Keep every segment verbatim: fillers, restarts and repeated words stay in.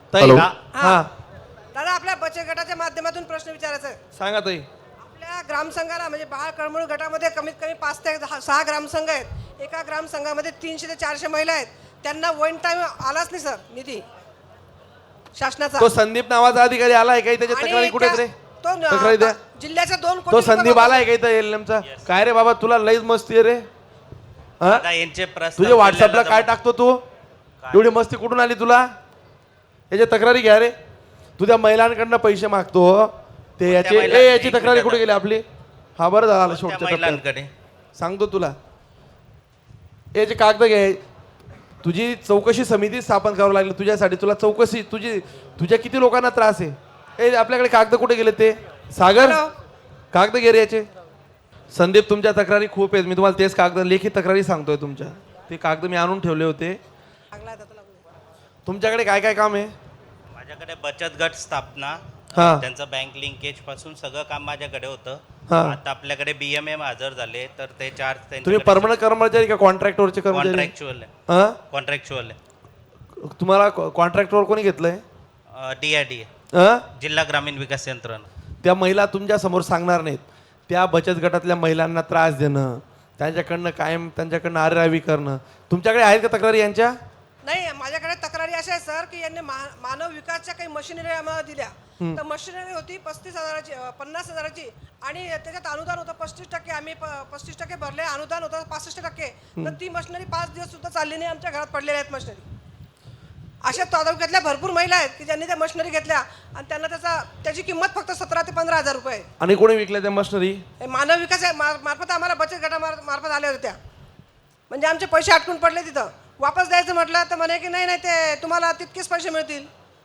ताई हा. हा दादा आपल्या बचत गटाच्या माध्यमातून प्रश्न विचारायचा आहे. सांगा ताई. आपल्या ग्रामसंघाला म्हणजे बाळ कळमळू गटामध्ये कमीत कमी पाच ते दहा सहा ग्रामसंघ आहेत. एका ग्रामसंघामध्ये तीनशे ते चारशे महिला आहेत. त्यांना वन टाइम आलाच नाही सर निधी शासनाचा. तो संदीप नावाचा अधिकारी आलाय काही त्याच्या तक्रारी कुठे आहेत रे? तो तक्रारी द्या. जिल्ह्याच्या दोन कोटी तो रुपये संदीप वापर- आलाय काही तर एलएमचा? काय रे बाबा तुला लईच मस्ती आहे रे. हा? आता यांचे प्रस्ताव तुझ्या व्हॉट्सअपला केलेला काय जमा- टाकतो तू? एवढी मस्ती कुठून आली तुला? याच्या तक्रारी घ्या रे. तुझ्या महिलांकडनं पैसे मागतो ते याचे महिला- ए याची एक तक्रारी मिनिट कुठे गेली आपली? हा बरं झालं त्या शेवटच्या टप्प्यात. महिलांकडे सांगतो तुला. याचे कागद घे. तुझी चौकशी समिती स्थापन करावं लागली तुझ्यासाठी. तुला चौकशी तुझी तुझ्या किती लोकांना त्रास आहे? ए आपल्याकडे कागद कुठे गेले ते? सागर हॅलो. कागद घे रे याचे. संदीप तुमच्या तक्रारी खूप आहेत. मी तुम्हाला तेच कागद लेखी तक्रारी सांगतोय तुमच्या. ते कागद मी आणून ठेवले होते. लागला आता तुला. तुमच्याकडे काय काय काम आहे? माझ्याकडे बचत गट स्थापना हा. त्यांचं बँक लिंकेज पासून सगळं काम माझ्याकडे होतं. हा. आता आपल्याकडे बीएमएम हजर झाले तर ते चार्ज तुम्ही परमनंट कर्मचारी का कॉन्ट्रॅक्टरचे कर्मचारी? कॉन्ट्रॅक्च्युअल हा? कॉन्ट्रॅक्च्युअल तुम्हाला कॉन्ट्रॅक्टरवर कोणी घेतलंय? डीआयडी हा? जिल्हा ग्रामीण विकास यंत्रणा. त्या महिला तुमच्या समोर सांगणार नाहीत. त्या बचत गटातल्या महिलांना त्रास देणं, त्यांच्याकडनं कायम त्यांच्याकडनं आरेरावी करणं. तुमच्याकडे आहेत का तक्रारी यांच्या? नाही माझ्याकडे तक्रारी अशा आहे सर की यांनी मा- मानव विकासच्या काही मशिनरी आम्हाला दिल्या. तर मशिनरी होती पस्तीस हजाराची अं, पन्नास हजाराची आणि त्याच्यात अनुदान होतं पस्तीस टक्के. आम्ही प- पस्तीस टक्के भरले. अनुदान होतं पासष्ट टक्के. तर ती मशिनरी पाच दिवस सुद्धा चालली नाही. आमच्या घरात पडलेल्या आहेत मशिनरी. अशा तालुक्यातल्या भरपूर महिला आहेत की ज्यांनी त्या मशिनरी घेतल्या आणि त्यांना त्याचा त्याची किंमत फक्त सतरा ते पंधरा हजार रुपये आहे. आणि कोणी विकल्या त्या मशिनरी? हे मानव विकास आहे मार- मार्फत आम्हाला बचत गटा मार- मार्फत आल्या होत्या. म्हणजे आमचे पैसे अटकून पडले तिथं. वापस द्यायचं म्हटलं तर म्हणे की नाही नाही ते तुम्हाला तितकेच पैसे मिळतील.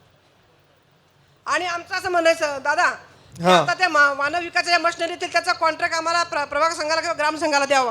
आणि आमचं असं म्हणायचं दादा की हा. आता त्या मा- मानव विकासाच्या मशिनरीतील त्याचा कॉन्ट्रॅक्ट आम्हाला प्र- प्रभाग संघाला किंवा ग्राम संघाला द्यावा.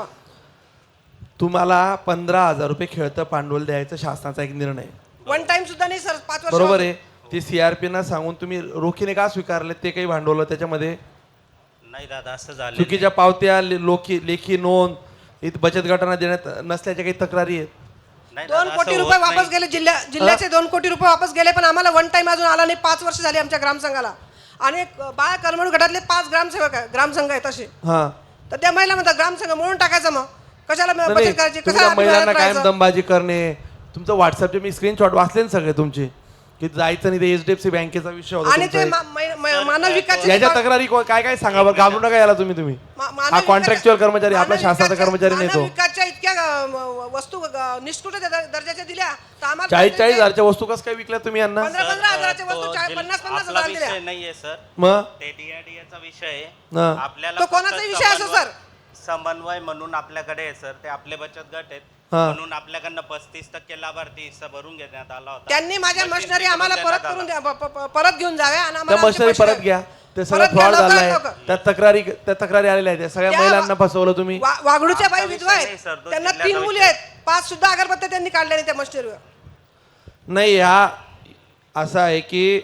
तुम्हाला पंधरा हजार रुपये खेळतं भांडवल द्यायचं शासनाचा एक निर्णय आहे. वन टाइम सुद्धा नाही सर. पाच वर्ष बरोबर आहे. ते सीआरपी ना सांगून तुम्ही रोखीने का स्वीकारले? ते काही भांडवल त्याच्यामध्ये नाही दादा असं झालं चुकीच्या पावत्या ले- लोकी लेखी नोंद इथं बचत गटांना देण्यात नसल्याच्या काही तक्रारी आहेत. नाही दोन दादा, कोटी असं रुपये होत वापस नाही. गेले. जिल्ह्या जिल्ह्याचे दोन कोटी रुपये वापस गेले पण आम्हाला वन टाइम अजून आला नाही. पाच वर्ष झाली आमच्या ग्रामसंघाला. आणि एक बाळ करमणूक गटातले पाच ग्रामसेवक आहे ग्रामसंघ आहेत असे. हा. तर त्या महिला म्हणतात ग्रामसंघ म्हणून टाकायचं मग कशाला नाही, बचत करायची तुमच्या कशाला महिलांना अभिमानात कायम राहायचं? दमबाजी करणे. तुमचं व्हॉट्सअपचे मी स्क्रीनशॉट वाचले ना सगळे तुमचे की जायचं नाही. ते एचडीएफसी बँकेचा विषय होता आणि ते तुमचा. मा- मै- मै- मानव विकास याच्या तक्रारी को- काय काय सांगा बरं. घाबरू नका याला तुम्ही तुम्ही हा कॉन्ट्रॅक्च्युअल कर्मचारी आपला शासनाचा कर्मचारी नाही तो. विकासच्या इतक्या अ, म- वस्तू अ, निष्कृत दर- दर्जाच्या दिल्या तर आम्हाला चाळीस चाळीस हजारच्या वस्तू कसं काय विकल्या तुम्ही यांना? पंधरा पंधरा हजाराच्या तो वस्तू चाळीस- जिल- पन्नास पन्नास आपला हजार दिल्या. विषय नाहीये सर. मग ते डीआयडीचा विषय आहे. हा. आपल्याला तो फक्त कोणाचा विषय असो समन्वय- सर? समन्वय म्हणून आपल्याकडे आहे सर. ते आपले बचत गट आहेत हा. म्हणून आपल्याकडनं पस्तीस टक्के लाभार्थी हिस्सा भरून घेण्यात आला होता. त्यांनी माझ्या मशीन मशिनरी करून आम्हाला देण्यात परत आला. करून द्या प- प- प- परत घेऊन जाव्या आणि त्या आम्हाला आमचे मशिनरी पैसे परत द्या. घ्या. ते सगळं परत घ्या, फ्रॉड लवकरात झालाय. लवकर. त्या तक्रारी त्या तक्रारी आलेल्या आहेत. त्या सगळ्या त्या- महिलांना फसवलं तुम्ही. वा- वागडूच्या बाई आमचा विधवा विषय आहेत नाही सर, तो त्यांना तीन जिल्ह्याचा मुली विषय. आहेत. पाच सुद्धा अगरबत्त्या त्यांनी काढल्या नाही त्या मशिनरीवर. नाही हा असं आहे की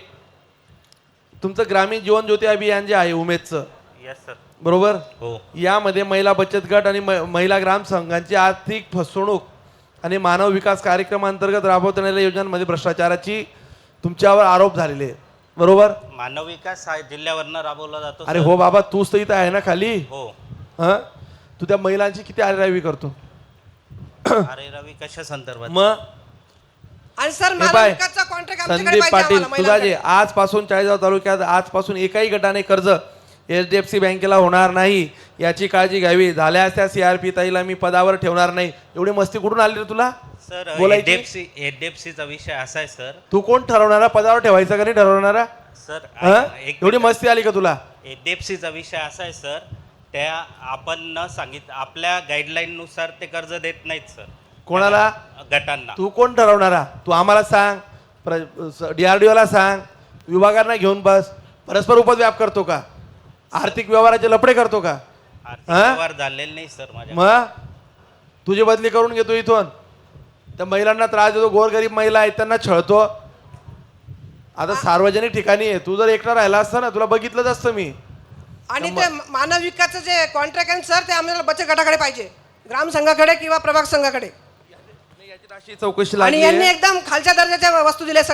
तुमचं ग्रामीण जीवन ज्योती अभियान जे आहे उमेदचं येस सर. बरोबर हो यामध्ये महिला बचत गट आणि म- महिला ग्राम संघांची आर्थिक फसवणूक आणि मानव विकास कार्यक्रमांतर्गत राबवण्यात आलेल्या योजनांमध्ये भ्रष्टाचाराची तुमच्यावर आरोप झालेले आहेत. बरोबर? मानव विकास हा जिल्ह्यावरनं राबवला जातो अरे सर. हो बाबा तूच तर इथं आहे ना खाली. हो. हा तू त्या महिलांची किती आरेरावी करतो? अरे रवी कशा संदर्भात? मग आणि सर हे मानव पाय, विकासचा कॉन्ट्रॅक्ट आमच्याकडे संदीप पाहिजे पाटील आम्हाला तुझा जे महिलांकडे. आजपासून चाळीसगाव तालुक्यात आजपासून एकाही गटाने कर्ज एचडीएफसी बँकेला होणार नाही याची काळजी घ्यावी. झाल्यास त्या सीआरपी ताईला मी पदावर ठेवणार नाही. एवढी मस्ती कुठून आली रे तुला? सर बोलायची? एचडीएफसी एचडीएफसीचा विषय असा आहे सर. तू कोण ठरवणारा पदावर ठेवायचा का नाही ठरवणारा? सर हा? एक एवढी मस्ती आली का तुला? एचडीएफसीचा विषय असा आहे सर. त्या आपण न सांगित आपल्या गाईडलाईन नुसार ते कर्ज देत नाहीत सर कोणाला? गटांना. तू कोण ठरवणारा? तू आम्हाला सांग, डीआरडीओला सांग, विभागांना घेऊन बस. परस्पर उपद्व्याप करतो का? आर्थिक व्यवहाराचे लफडे करतो का? आर्थिक हा? व्यवहार झालेले नाही सर माझ्या. मग तुझी बदली करून घेतो इथून. त्या महिलांना त्रास देतो. गोरगरीब महिला आहेत त्यांना छळतो. आता सार्वजनिक ठिकाणी आहे. तू जर एकटा राहिला असता ना तुला बघितलंच असतं मी. आणि ते मानव विकासचं जे कॉन्ट्रॅक्ट आहे सर ते आम्हाला बचत गटाकडे पाहिजे. ग्राम संघाकडे किंवा प्रभाग संघाकडे. याची राशी चौकशी आणि लागली यांनी आहे. एकदम खालच्या दर्जाच्या वस्तू दिल्या सगळ्या.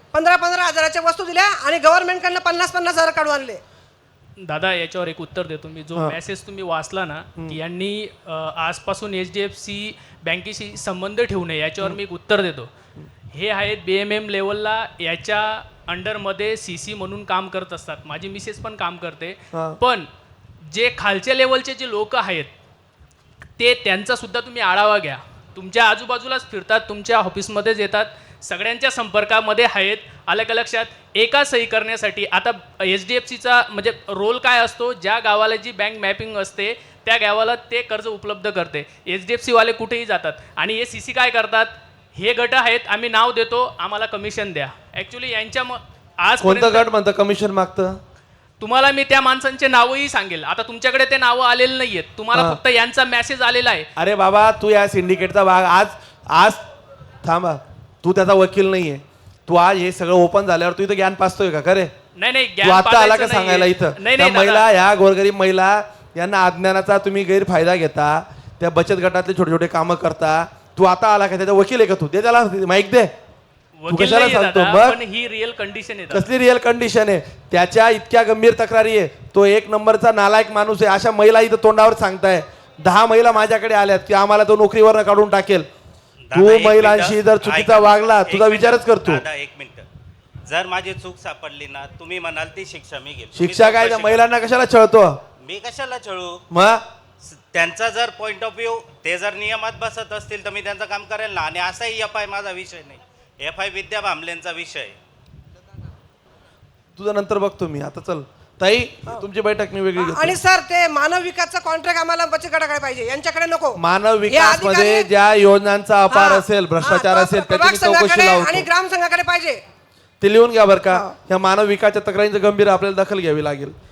पंधरा पंधरा हजाराच्या वस्तू दिल्या आणि गव्हर्नमेंटकडनं पन्नास पन्नास हजार काढून आणले. दादा याच्यावर एक उत्तर देतो मी. जो मेसेज तुम्ही वाचला ना की यांनी अ, आजपासून एच डी एफ सी बँकेशी संबंध ठेवू नये, याच्यावर मी एक उत्तर देतो. हे आहेत बी एम एम लेवलला याच्या अंडरमध्ये सी सी म्हणून काम करत असतात. माझी मिसेस पण काम करते. हा. पण जे खालच्या लेवलचे जे लोक आहेत ते त्यांचा सुद्धा तुम्ही आढावा घ्या. तुमच्या आजूबाजूलाच फिरतात, तुमच्या ऑफिसमध्येच येतात, सगळ्यांच्या संपर्कामध्ये आहेत. आलं का लक्षात? एका सही करण्यासाठी आता एच डी एफ सीचा म्हणजे रोल काय असतो, ज्या गावाला जी बँक मॅपिंग असते त्या गावाला ते कर्ज उपलब्ध करते. एच डी एफ सीवाले कुठेही जातात आणि हे सी सी काय करतात, हे गट आहेत, आम्ही नाव देतो, आम्हाला कमिशन द्या. ॲक्च्युली यांच्या म आज कोणतं गट म्हणतं कमिशन मागतं? तुम्हाला मी त्या माणसांचे नावही सांगेल. आता तुमच्याकडे ते नावं आलेले नाहीयेत, तुम्हाला हा. फक्त यांचा मेसेज आलेला आहे. अरे बाबा, तू या सिंडिकेटचा भाग आज आज थांबा, तू त्याचा वकील नाहीये. तू आज हे सगळं ओपन झाल्यावर तू इथं ज्ञान पाचतोय का? खरे नाही नाही तू ज्ञान आता आला पाजायचं का सांगायला नाहीये. इथं? नाही त्या नाही महिला, दादा. ह्या गोरगरीब महिला यांना अज्ञानाचा तुम्ही गैरफायदा घेता, त्या बचत गटातले छोटे छोटे कामं करता. तू आता आला का? त्याचा वकील आहे का तू? दे त्याला माईक दे. तू वकील कशाला नाहीये सांगतो? दादा, बघ पण ही रिअल कंडिशन आहे दादा. कसली रिअल कंडिशन आहे. त्याच्या इतक्या गंभीर तक्रारी आहे. तो एक नंबरचा नालायक माणूस आहे. अशा महिला इथं तोंडावर सांगताय. दहा महिला माझ्याकडे आल्यात की आम्हाला तो नोकरीवर काढून टाकेल. तू दादा, एक महिलांशी मिनिटं. जर चुकीचा ऐका. वागला, एक तुझा मिनिटं. विचारच करतो. दादा एक मिनिट, जर माझी चूक सापडली ना, तुम्ही म्हणाल ती शिक्षा मी घेईल. शिक्षा तुम्ही काय? त्या चौकशी महिलांना कशाला छळतो? करा. मी कशाला छळू? मग स- त्यांचा जर पॉइंट ऑफ व्ह्यू ते जर नियमात बसत असतील तर मी त्यांचं काम करेल ना. आणि असाही एफ आय माझा विषय नाही, एफ आय विद्या भांबलेंचा विषय आहे. तुझं नंतर बघतो मी. आता चल ताई, तुमची बैठक मी वेगळी घेतो. आणि सर ते मानव विकासचा कॉन्ट्रॅक्ट आम्हाला बचत गटाकडे पाहिजे, यांच्याकडे नको. मानव हे विकास अधिकारी- मध्ये ज्या योजनांचा अपार हा, असेल, भ्रष्टाचार हा, असेल, प्रभाग त्याची मी चौकशी संघाकडे आणि लावतो. ग्राम संघाकडे पाहिजे. ते लिहून घ्या बरं का. या मानव विकासच्या तक्रारींचं गंभीर आपल्याला दखल घ्यावी लागेल.